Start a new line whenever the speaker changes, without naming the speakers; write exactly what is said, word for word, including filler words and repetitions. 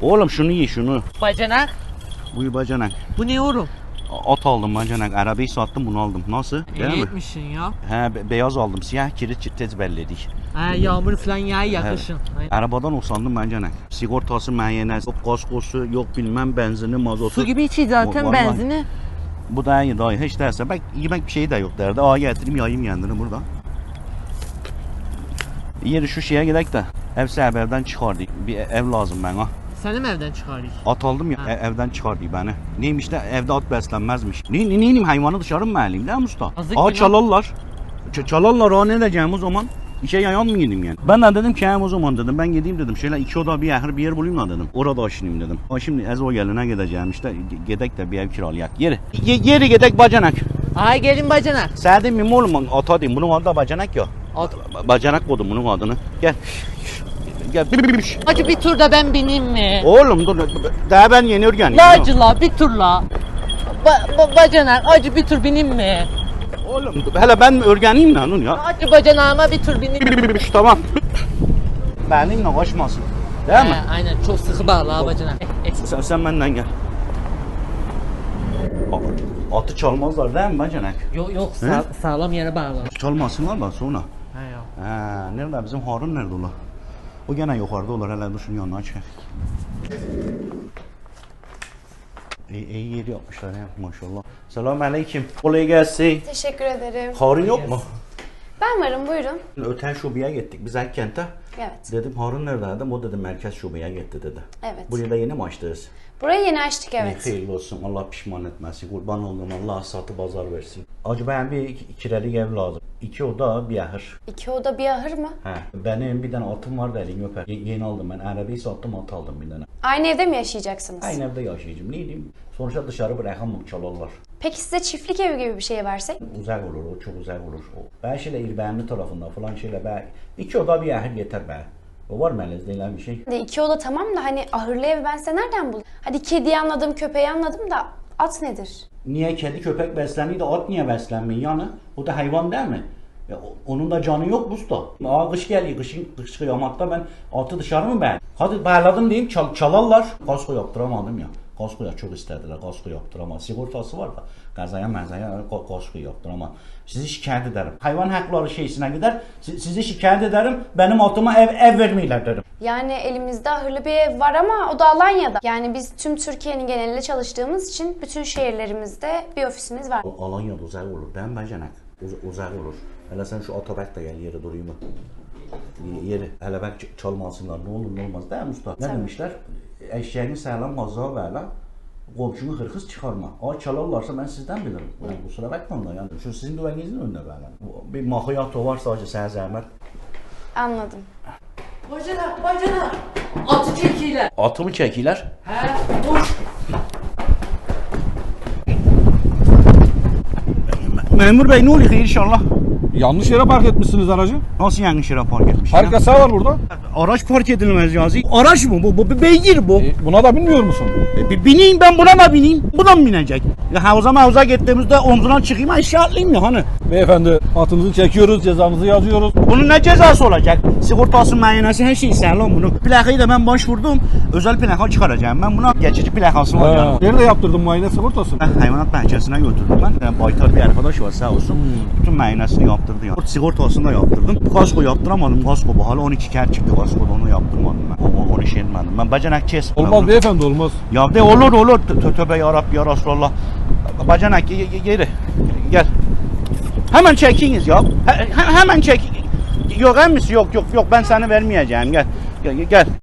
Oğlum şunu ye şunu.
Bacanak.
Buyur bacanak.
Bu ne oğlum?
At aldım bacanak. Arabayı sattım bunu aldım. Nasıl? Değil
İyi
mi?
etmişsin ya.
He be- beyaz aldım. Siyah kirit tez belledik.
Ha, yağmur falan yağ yakışın.
Evet. Arabadan usandım bacanak. Sigortası, müayyenesi, yok kaskosu, yok bilmem benzini, mazotu.
Su gibi içi zaten
Vallahi.
benzini.
Bu da iyi daha iyi. Hiç derse bak yemek bir şey de yok derdi. Aa getireyim yayayım kendini burada. Yeri şu şeye gidek de ev sahibevden çıkardık. Bir ev lazım bana.
Seni mi evden çıkarayım?
At aldım ya e- evden çıkardık beni. Neymiş de evde at beslenmezmiş. Ne, ne, neyim hayvanı dışarı mı vereyim değil mi usta?
Azık
Aa
günah.
çalarlar. Ç- çalarlar aa ne edeceğim o zaman? İşe yayan mı gideyim yani? Ben de dedim ki hem o zaman dedim ben gideyim dedim. Şöyle iki oda bir yer bir yer bulayım da dedim. Orada aşınayım dedim. Ama şimdi Ezo geline gideceğim işte G- gedek de bir ev kiralayak. Yeri. Ye- yeri gedek bacanak.
Ay gelin bacanak.
Sen de mi oğlum ata diyeyim bunun adı da bacanak ya.
At.
Ba- Bacanak koydum bunun adını. Gel. Gel.
Hadi bir turda ben bineyim mi?
Oğlum dur. Daha ben yeni örgenim.
Lacıla bir turla. Ba ba bacanak acı bir tur bineyim mi?
Oğlum hele ben mi örgeneyim lan onu ya?
Acı bacanağıma bir tur bineyim.
Tamam. Benimle kaçmasın. Değil mi?
He, aynen çok sıkı bağlı ha bacanak. Eh, eh.
Sen, sen benden gel. A- Atı çalmazlar değil mi bacanak?
Yok yok sağ, sağlam yere bağlı.
Çalmasınlar da sonra.
He yok.
Ha, nerede bizim Harun nerede ola? O gene yukarıda olur hele dur şunun yanına çıkar. İyi, iyi yeri yapmışlar ya maşallah. Selamünaleyküm. Kolay gelsin.
Teşekkür ederim.
Harun yok mu?
Ben varım, buyurun.
Öten şubeye gittik biz Akkent'e.
Evet.
Dedim Harun nerede dedim. O dedi merkez şubeye gitti dedi.
Evet.
Buraya da yeni mi açtınız?
Burayı yeni açtık, evet.
Hayırlı olsun. Allah pişman etmesin. Kurban olduğum Allah satı pazar versin. Acaba ben bir iki- kirelik ev lazım. İki oda bir ahır.
İki oda bir ahır mı?
He. Benim bir tane atım vardı elin öper. Ye- yeni aldım ben. Arabayı sattım at aldım bir tane.
Aynı evde mi yaşayacaksınız?
Aynı evde yaşayacağım. Ne diyeyim? Sonuçta dışarı bırakamam çalarlar.
Peki size çiftlik evi gibi bir şey versek?
Uzak olur o çok uzak olur. O. Ben şöyle İrbenli tarafında falan şöyle ben iki oda bir ahır yeter be. O var mı elinizde ilan bir şey?
Hadi iki oda tamam da hani ahırlı ev ben size nereden bulayım? Hadi kediyi anladım, köpeği anladım da at nedir?
Niye kedi köpek besleniyor da at niye beslenmiyor yani? O da hayvan değil mi? Ya, o- onun da canı yok mu usta? Aa kış geliyor, kışın kış kıyamakta ben atı dışarı mı ben? Hadi bağladım diyeyim çal, çalarlar. Kasko yaptıramadım ya. Kaskoya çok istediler, kasko yaptıramadım. Sigortası var da kazaya mezaya kasko yaptıramadım. Sizi şikayet ederim. Hayvan hakları şeysine gider, si- sizi şikayet ederim. Benim atıma ev, ev vermiyorlar derim.
Yani elimizde ahırlı bir ev var ama o da Alanya'da. Yani biz tüm Türkiye'nin genelinde çalıştığımız için bütün şehirlerimizde bir ofisimiz var.
O Alanya'da uzak olur değil mi bacanak? Uz uzak olur. Hele sen şu otobak da gel yere durayım mı? Yeri hele bak ç- çalmasınlar ne olur ne olmaz değil mi usta? Ne
Tabii.
demişler? Eşeğini sağlam gazlığa verle. Komşunu hırkız çıkarma. Aa çalarlarsa ben sizden bilirim. Yani kusura bakmayın da yani. Şu sizin güvenliğinizin önünde böyle. Bir mahiyato var sadece sana zahmet.
Anladım.
Bacanak bacanak. Atı çekiyle.
Atı mı çekiler?
He boş.
Memur bey ne oluyor inşallah?
Yanlış yere park etmişsiniz aracı.
Nasıl yanlış yere park etmiş
Park
ya?
yasağı var burada.
Araç park edilmez yazı. Araç mı bu? Bu bir beygir bu.
E, buna da bilmiyor musun?
E, bi- bineyim ben buna da bineyim. Bu da mı binecek? Ya havuza mavuza gittiğimizde omzuna çıkayım aşağı atlayayım ya hani.
Beyefendi atınızı çekiyoruz, cezamızı yazıyoruz.
Bunun ne cezası olacak? Sigortası, müayyenesi her şey sağlam bunu. Plakayı da ben başvurdum. Özel plaka çıkaracağım. Ben buna geçici plakası var
Ha.
yani.
Nerede yaptırdın muayene sigortasını?
Ben hayvanat bahçesine götürdüm ben. Yani baytar bir arkadaş var sağ olsun. Bütün müayenesini yaptırdı ya. Sigortasını da yaptırdım. Kasko yaptıramadım. Kasko bu hala on iki kere çıktı kaskoda onu yaptırmadım ben. O, o, onu şey etmedim. Ben bacanak kes.
Olmaz beyefendi olmaz.
Ya de olur olur. Tö- Tövbe yarabbi ya Resulallah. Bacanak ge- ge- geri. Gel. Hemen çekiniz ya. He- he- hemen çek. Yok emisi yok yok yok ben sana vermeyeceğim gel. Gel. gel.